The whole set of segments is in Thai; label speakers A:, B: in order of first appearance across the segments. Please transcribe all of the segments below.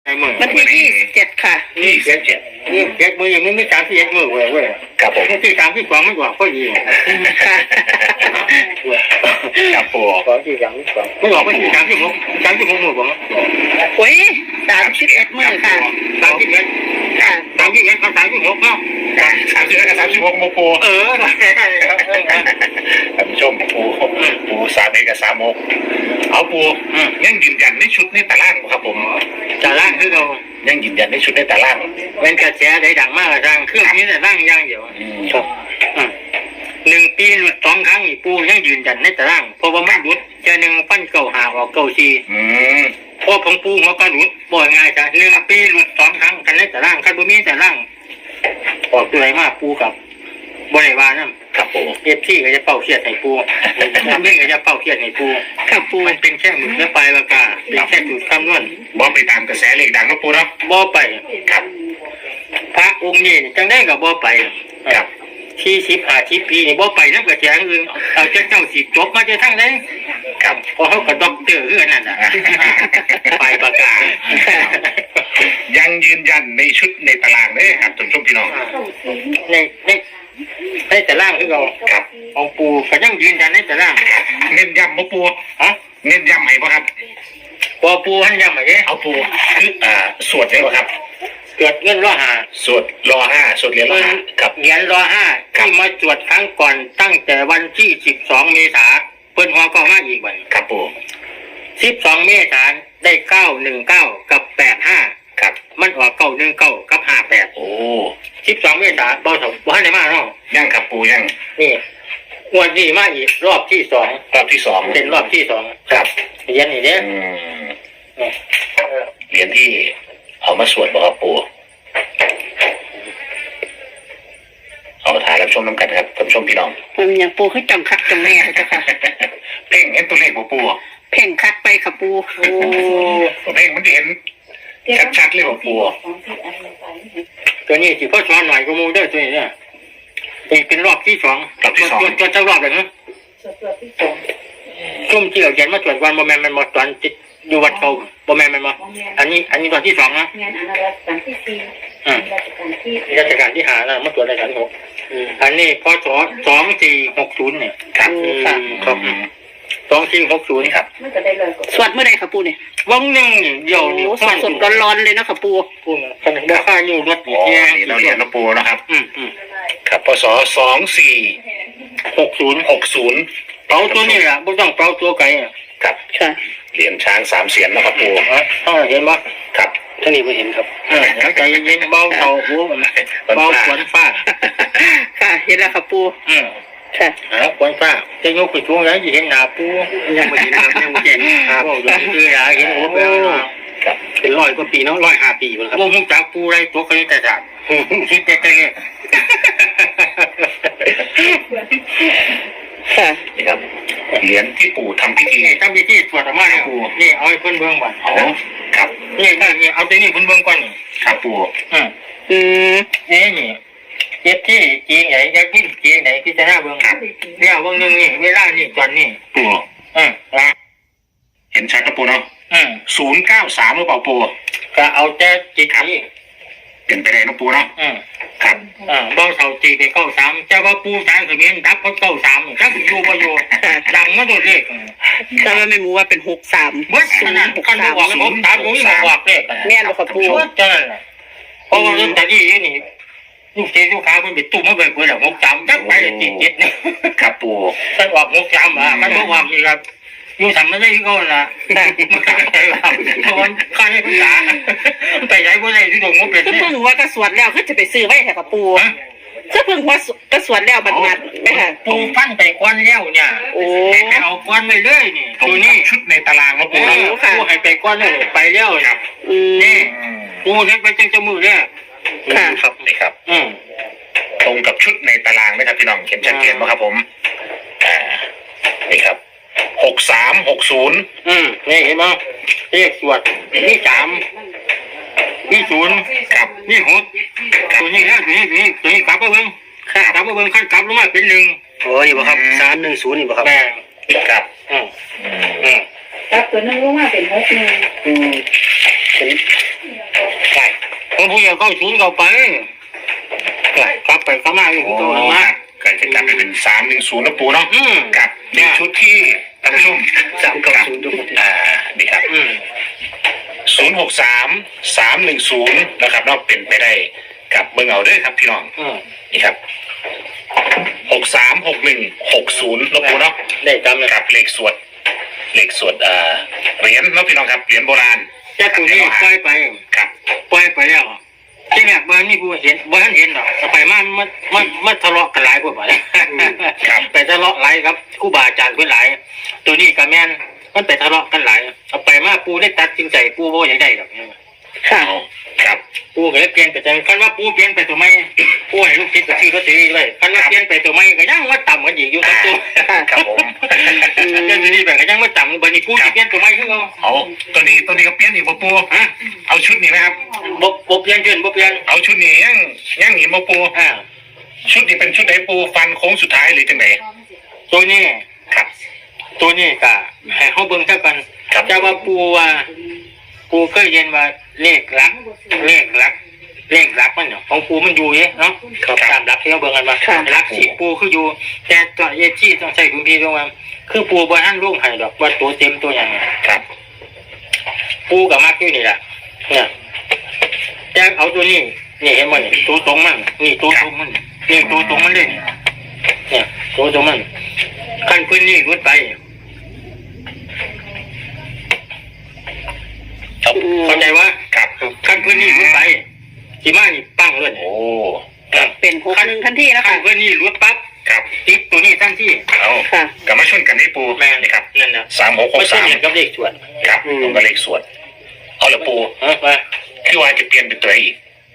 A: วันที่27ค่ะ
B: 27มืออย่างนี้ไม่31มือเว้ย
C: ครับผม
B: ที่32ไม่กว่าก็ดี
A: ค่ะ
C: ครับปู
B: ของที่32ไม่บอกว่าที่36มือผม
A: โอ้ย31มื้อค่ะ
B: 31ค่ะ31กับ36เนาะ
C: 31กับ36โมปูท่านผู้ชมปู31กับ36เอาปูยังยืนยันในชุดในตารางครับผม
B: ตารางคือเรา
C: ยังยืนยันในชุดในตาราง
B: เป็นกระแสได้ดังมากทางเครื่องนี้แต่ร่างย่างเดียวครับ1 ปีหลุด2 ครั้งปูยังยืนยันในตารางเพราะว่ามันหลุดจะ1 ฟัน9 หาออก9 4พอของปูเขาก็หลุดบ่อยง่ายจ้ะ1 ปีหลุด2 ครั้งกันในตารางคันบ่มีตารางออกตัวไหนมากปูกับบริวารนั่น
C: ครับปู
B: ที่ก็จะเป่าเครียดให้ปูทำเรื่องก็จะเป่าเครียดให้ปู
A: ครับปู
B: มันเป็นแค่หมึกและปลายปากกาเป็นแค่จุดคำนวณ
C: บ่ไปตามกระแสเลขดังนะปูเนาะ
B: บ่ไป
C: ครับ
B: พระองค์นี้จังได้กับบ่ไป
C: ครับ
B: 40 50 ปีนี่บ่ไปนักกระแสอื่นเอาเจ้าสิจบมาจะทั้งไหน
C: ครับ
B: พอเขากับด็อกเตอร์คือนั่นน่ะปลายปากกา
C: ยังยืนยันในชุดในตารางเลยครับท่านผู้ชมพี่น้อง
B: ในตารางคือเรา
C: ครับ
B: ของปูก็ยังยืนยันในตาราง
C: เน้นย้ำมาปูเน้นย้ำไหมบ่ครับ
B: พอปูให้ย้ำไหม
C: เอาปูคือสวดได้บ่ครับ
B: เกิดเงิน
C: สวดรอ5สวดเหรียญรอ5ครับ
B: เหรียญรอ5ที่มาสวดครั้งก่อนตั้งแต่วันที่12 เมษายนเปิ้นหัวก็มาอีกวัน
C: ครับปู
B: 12 เมษายนได้919กับ85
C: ครับ
B: มันออก919กับ58
C: โอ้
B: 12 เมษายนบ่ทันได้มาเนาะ
C: ยังครับปูยัง
B: นี่วันนี้มาอีกรอบที่2เป็นรอบที่2
C: ครับ
B: เหรียญนี่เด้
C: เหรียญที่เอามาสวดบ่ครับปูเอาถ่ายรับชมน้ำกันครับท่านผู้ชมพี่น้อง
A: มันอย่างปูให้จังคักจังแน่เจ้าค่ะ
C: เพ่งเห็นตัวเลขบ่ปู
A: เพ่งคักไปค่ะปู
C: โอ้เพ่งมันจะเห็นชัดๆเลยบ่ปู
B: ตัวนี้สิพ่อสอนหน่อยก็มูได้ตัวนี้เนี่ยนี่เป็นรอบที่2ตัวเจ้ารอบเลยนะช่วงที่เราเขียนมาตรวจวันบ่แม่นมันหมดตอนจิตอยู่วัดเขาบ่แม่นมันมาอันนี้ตอนที่2นะ
D: งานรัชกาลที่4
B: ราชการที่5นะมาตรวจราชการที่6อันนี้พศ2460เนี่ย
C: ครับ
B: 2460
C: ครับ
D: มันจะได้เลย
A: สวดเมื่อใดค่ะปูเนี่ย
B: วังนึงเดี๋ยว
A: สดร้อนๆเลยนะค่ะปู
B: ขนาดราคาอยู่รถ
C: เนี่ยเราเรียนนะปูนะครับครับพศ2460
B: เป่าตัวนี้แหละไม่ต้องเป่าตัวไก่
C: ครับเหรียญช้าง3 เสียนนะครับปู
B: เห็นไหม
C: ครับ
B: ท่านนี้ไม่เห็นครับใจเย็นเบาเบาหัวเบาขวัญฟ้า
A: ค่ะเห็นแล้วค่ะปูค่ะ
B: ขวัญฟ้าจะยกไปช่วงไหนจะเห็นหน้าปูยังไม่เห็นหน้ายังไม่เห็นครับคืออยากเห็นหัวเปล่า
C: ครับ
B: เป็น100 กว่าปีเนาะ105 ปีครับวงจากปูไรตัวคณิตศาสตร์คิดแต่
A: ค่ะ
C: นี่ครับเหรียญที่ปู่ทำพิธี
B: สวดออกมาเนี่ยปู่นี่เอาให้เพิ่นเบิ่งก่อน
C: ครับ
B: นี่เอาตัวนี้เพิ่นเบิ่งก่อน
C: ครับปู่
B: นี่เจ็บที่จริงไหนจะกินจริงไหนพิจารณาเบิ่งเนี่ยเบิ่งนึงนี่เวลานี่ตอนนี้
C: ปู่เห็นชัดนะปู่เนาะ093หรือเปล่าปู่
B: ก็เอาแต่จิตนี้
C: เป็นไปได้นะปู่เนาะครับ
B: บ้องเสาจีไป93เจ้าว่าปูทางเขมรดับเขา93ถ้าอยู่บ่อยู่ดังมาตัวเลข
A: แต่ว่าไม่รู้ว่าเป็น63
B: บ่ขนาดกันบอก63บ่มีบอกเลข
A: แม่นบ่ครับปู
B: เจ้าเพราะว่าลอตเตอรี่นี่ลูกเจ้าลูกค้าเพิ่นไปตุ้มมาเบิ่งเพิ่นแล้ว63จักไปติดนี่
C: ครับปู่
B: ถ้าออก63มันบ่ว่านี่ครับอยู่ทำไม่ได้ที่เขาล่ะมันก็ใช่ครับคนข้าให้ภาษาไปไหนบ่ได้ที่ตรงนู้นเป็น
A: ก็เพิ่งว่ากระสวดแล้วก็จะไปซื้อไว้ให้กับปูก็เพิ่งว่ากระสวดแล้วบัดไม่ค่ะ
B: ปูฟันไปควันแล้วเนี่ยไปเอาควันไปเลยนี่ตัวนี้
C: ชุดในตารางแล้วปู
B: ปูให้ไปควันเลยไปแล้วครับนี่ปูเห็นไปจังจมูกเนี่ย
C: ครับนี่ครับตรงกับชุดในตารางไหมครับพี่น้องเขียนชัดเจนไหมครับผมนี่ครับ6360
B: นี่เห็นไหมเลขสวดนี่3นี่0
C: ครับ
B: นี่6ตัวนี้แล้วตัวนี้กลับมาเบิ่งกลับมาเบิ่งขั้นกลับลงมาเป็น1
C: โอ้นี่บ่ครับ310นี่บ่ครับครับ
D: กลับตัวนึงลงมาเป็น61
C: เป็น
B: ผมผู้ใหญ่เข้าศูนย์เข้าไปกลับไปเข้ามาอยู่
C: โอ้
B: ตัว
C: ค
B: มา
C: รับก็จะกลับไปเป็น310นะปูเนาะ กับในชุดที่ท่านผู้ชม
B: 390ทุกคน
C: นี่ครับ063-310นะครับเนาะเป็นไปได้กับเบิ่งเอาเด้อครับพี่น้องนี่ครับ636160นะปูเนาะ
B: ได้จำเลย
C: ครับเลขสวดเหรียญเนาะพี่น้องครับเหรียญโบราณ
B: แต่ตัวนี้ปล่อยไป
C: ครับ
B: ปล่อยไปแล้วที่แรกบ้านนี่ผู้เห็นบ้านเห็นหรอกไปมันทะเลาะกันหลายพวกไปไปทะเลาะหลายครับครูบาอาจารย์เพื่อนหลายตัวนี้กับแม่นมันไปทะเลาะกันหลายเอาไปมาปูได้ตัดสินใจปูว่าอย่างไรหรอก
A: ค่ะ
C: ครับ
B: ปูก็เลยเปลี่ยนไปแต่คันว่าปูเปลี่ยนไปตัวไม่ปูให้ลูกศิษย์ก็ซื้อลอตเตอรี่เลยคันว่าเปลี่ยนไปตัวไม่ก็ยังว่าต่ำกันอีกอยู่ครับตัว
C: ครับผม
B: เรื่องนี้แบบก็ยังว่าต่ำบัดนี้ปูจะเปลี่ยนตัวไม่ขึ้นเอา
C: เอาตัวนี้ก็เปลี่ยนอีกบ่ปู
B: ฮะ
C: เอาชุดนี้นะครับ
B: บ่เปลี่ยนเปลี่ยนบ่เปลี่ยน
C: เอาชุดนี้ยังหนีบ่ปูชุดนี้เป็นชุดไหนปูฟันโค้งสุดท้ายหรือจังไหน
B: ตัวนี้
C: ครับ
B: ตัวนี้ก็ให้เขาเบิ่งเท่ากันแต่ว่าปูเคยเรียนว่าเลขหลักมันเนาะของปูมันอยู่เนาะตามหลักที่เขาเบิ่งกันว่าหลักสิปูคืออยู่แต่ตัวเอจี้ต้องใช้คุณพี่ตรงว่าคือปูบ่ทันลงให้ดอกว่าตัวเต็มตัวหยัง
C: ครับ
B: ปูกับมักอยู่นี่ล่ะเนี่ยแต่เอาตัวนี้นี่เห็นบ่นี่ตัวตรงมันนี่ตัวตรงมันนี่ตัวตรงมันเลยเนี่ยตัวตรงมันคันพื้นนี่รุดไปเข้าใจว่า
C: ครับ
B: ขั้นพื้นนี่รุดไปสีมานี่ปั้งเลย
C: โอ้
A: เป็น61ทันทีนะ
B: ขั้
A: คะ
B: นพื้นนี่รุดปั๊บ
C: ครับ
B: ติดตัวนี้ทั้งที่
C: เอา
A: ค่ะ
C: กลับมาชนกันนี่ปู
B: แม่
C: นี่ครับ
B: นั่นนะ
C: 3663
B: ไม่ใช่เรียนกับเลขส่วน
C: ครับตรงกับเลขสวดเอาละปู
B: มา
C: คือว่าจะเปลี่ยนเป็นตัวอีก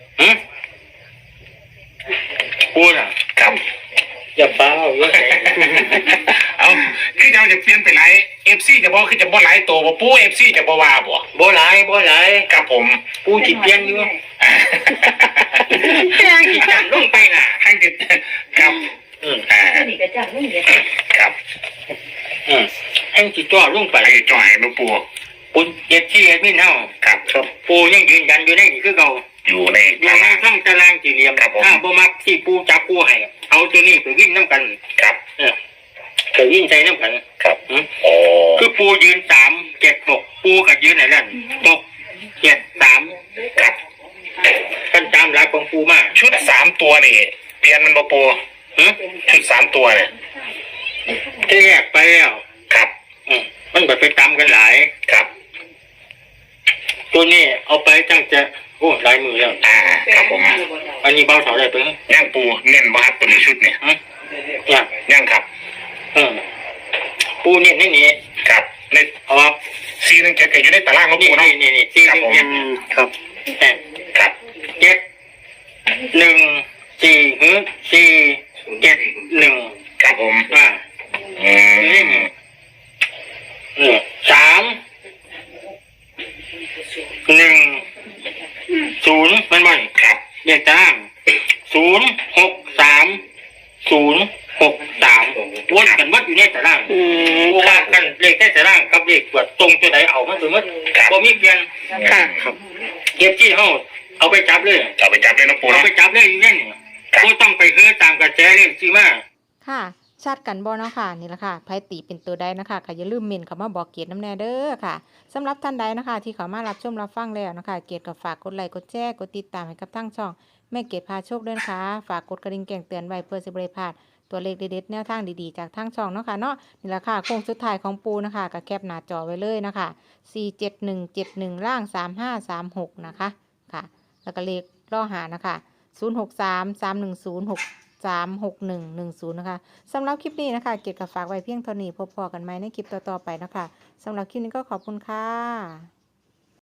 B: ปูน่ะ
C: ครับ
B: อย่าเบ้าเยอะ
C: เอาคือเราจะเปลี่ยนไปไลฟ์FC จะบอกคือจะบ่ไลฟ์ตัวบ่ปู FC จะบ่ว่าบ่
B: บ่หลาย
C: ครับผม
B: ปูจิเปลี่ยนอยู่แค่กี่จังลงไปน่ะ
C: ให้ติดครับอ่า
D: นี่ก็จังไม่เยอะ
C: ครับ
B: ให้จิจ่อลงไป
C: ให้จ่อยมาปู
B: ปูเจ็ดที่เอ็ดมินเฮา
C: ครับครับ
B: ปูยังยืนยันอยู่ในนี่คือเก่า
C: อยู่ใน
B: อยู่ในช่องตารางสี่เหลี่ยมถ้าบ่มักที่ปูจับปูให้เอาตัวนี้ไปวิ่งน้ำกัน
C: ครับ
B: ไปวิ่งใส่น้ำกัน
C: ครับโอ้
B: คือปูยืน3-7-6ปูกับยืนไหนนั่น6-7-3
C: ครับ
B: กันตามหลักของปูมา
C: ชุด3ตัวนี่เปลี่ยนมันบ่ปูชุด3ตัวเนี่ย
B: ที่แยกไปแล้ว
C: ครับ
B: มันก็ไปตามกันหลาย
C: ครับ
B: ตัวนี้เอาไปตั้งจะโอ้หลายมือแล้ว
C: ครับผม
B: อันนี้เบาเท่าไรไป
C: ย่างปูเน้นบ่ครับตัวนี้ชุดเนี่ย
B: เนี่ย
C: ย่างครับ
B: ปูเนี่ยนี่
C: ครับใน
B: เอาว่า
C: 417ก็อยู่ในตารางของ
B: นี่
C: ปูเนาะ
B: นี่ที่
C: ครับผม
B: ครับ
C: ครับ
B: 7-1-4-7-1
C: ครับผม
B: 3-1-0มันบ่อย
C: ครับ
B: เลขตาราง0-6-3-0-6-3วนกันวัดอยู่ในตารางว่ากันเลขในตารางกับเลขตรวจตรงตัวไหนเอามาตัวมัดบ่มีเปลี่ยน
A: ค่ะ
B: เก็บที่เฮาเอาไปจับเลย
C: เอาไปจับเลยนะปู
B: เอา
C: เนาะ
B: ไปจับเลยอยู่เนี่ยบ่ต้องไปเฮือตามกระแสเลขที่มา
E: ค่ะชัดกันบ่เนาะค่ะนี่แหละค่ะไผตีเป็นตัวใดนะคะค่ะอย่าลืมเมนเข้ามาบอกเกียรติน้ำแน่เด้อค่ะสำหรับท่านใดนะคะที่เข้ามารับชมรับฟังแล้วนะคะเกียรติก็ฝากกดไลค์กดแชร์กดติดตามให้กับทั้งช่องแม่เกียรติพาโชคด้วยนะคะฝากกดกระดิ่งแจ้งเตือนไว้เพื่อสิบ่ได้พลาดตัวเลขเด็ดๆแนวทางดีๆจากทั้งช่องเนาะค่ะเนาะนี่แหละค่ะโค้งสุดท้ายของปูนะคะก็แคปหน้าจอไว้เลยนะคะ47171ล่าง3536นะคะค่ะแล้วก็เลขล่อหานะคะ063310636110นะคะสำหรับคลิปนี้นะคะเกียรติกับฝากไว้เพียงเท่านี้พบกันใหม่ในคลิปต่อๆไปนะคะสำหรับคลิปนี้ก็ขอบคุณค่ะ